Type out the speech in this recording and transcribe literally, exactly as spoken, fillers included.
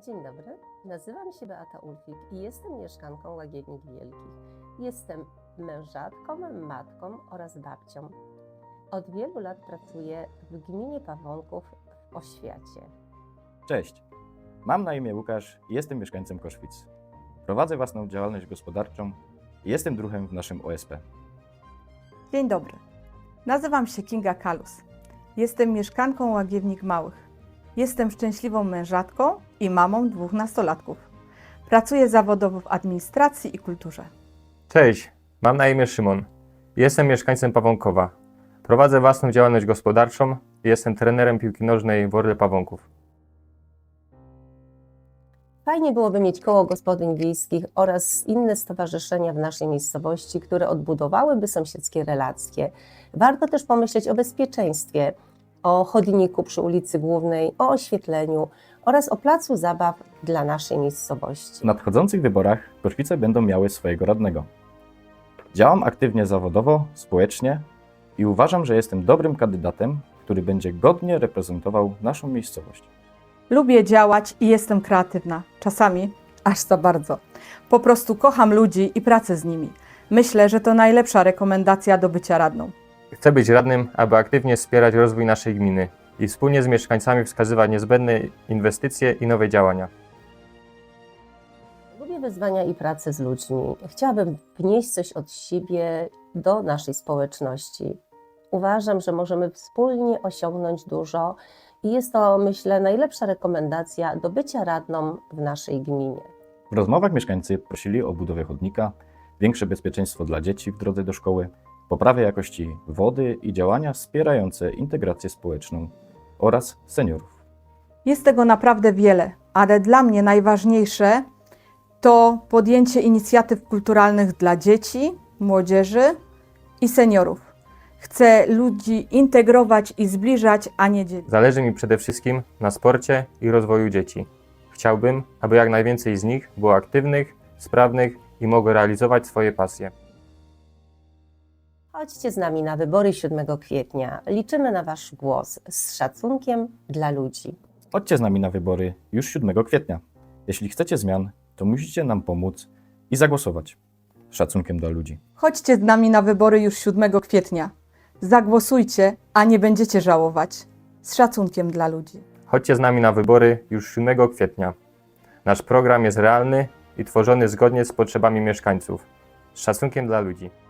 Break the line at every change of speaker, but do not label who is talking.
Dzień dobry, nazywam się Beata Ulfik i jestem mieszkanką Łagiewnik Wielkich. Jestem mężatką, matką oraz babcią. Od wielu lat pracuję w gminie Pawonków w Oświacie.
Cześć, mam na imię Łukasz i jestem mieszkańcem Koszwic. Prowadzę własną działalność gospodarczą i jestem druhem w naszym O S P.
Dzień dobry, nazywam się Kinga Kalus. Jestem mieszkanką Łagiewnik Małych. Jestem szczęśliwą mężatką i mamą dwóch nastolatków. Pracuję zawodowo w administracji i kulturze.
Cześć, mam na imię Szymon. Jestem mieszkańcem Pawonkowa. Prowadzę własną działalność gospodarczą i jestem trenerem piłki nożnej w Orle Pawonków.
Fajnie byłoby mieć koło gospodyń wiejskich oraz inne stowarzyszenia w naszej miejscowości, które odbudowałyby sąsiedzkie relacje. Warto też pomyśleć o bezpieczeństwie, o chodniku przy ulicy Głównej, o oświetleniu oraz o placu zabaw dla naszej miejscowości.
W nadchodzących wyborach Koszwice będą miały swojego radnego. Działam aktywnie zawodowo, społecznie i uważam, że jestem dobrym kandydatem, który będzie godnie reprezentował naszą miejscowość.
Lubię działać i jestem kreatywna. Czasami aż za bardzo. Po prostu kocham ludzi i pracę z nimi. Myślę, że to najlepsza rekomendacja do bycia radną.
Chcę być radnym, aby aktywnie wspierać rozwój naszej gminy i wspólnie z mieszkańcami wskazywać niezbędne inwestycje i nowe działania.
Lubię wyzwania i pracę z ludźmi. Chciałabym wnieść coś od siebie do naszej społeczności. Uważam, że możemy wspólnie osiągnąć dużo i jest to, myślę, najlepsza rekomendacja do bycia radną w naszej gminie.
W rozmowach mieszkańcy prosili o budowę chodnika, większe bezpieczeństwo dla dzieci w drodze do szkoły, poprawę jakości wody i działania wspierające integrację społeczną oraz seniorów.
Jest tego naprawdę wiele, ale dla mnie najważniejsze to podjęcie inicjatyw kulturalnych dla dzieci, młodzieży i seniorów. Chcę ludzi integrować i zbliżać, a nie dzielić.
Zależy mi przede wszystkim na sporcie i rozwoju dzieci. Chciałbym, aby jak najwięcej z nich było aktywnych, sprawnych i mogło realizować swoje pasje.
Chodźcie z nami na wybory siódmego kwietnia. Liczymy na Wasz głos z szacunkiem dla ludzi.
Chodźcie z nami na wybory już siódmego kwietnia. Jeśli chcecie zmian, to musicie nam pomóc i zagłosować. Z szacunkiem dla ludzi.
Chodźcie z nami na wybory już siódmego kwietnia. Zagłosujcie, a nie będziecie żałować. Z szacunkiem dla ludzi.
Chodźcie z nami na wybory już siódmego kwietnia. Nasz program jest realny i tworzony zgodnie z potrzebami mieszkańców. Z szacunkiem dla ludzi.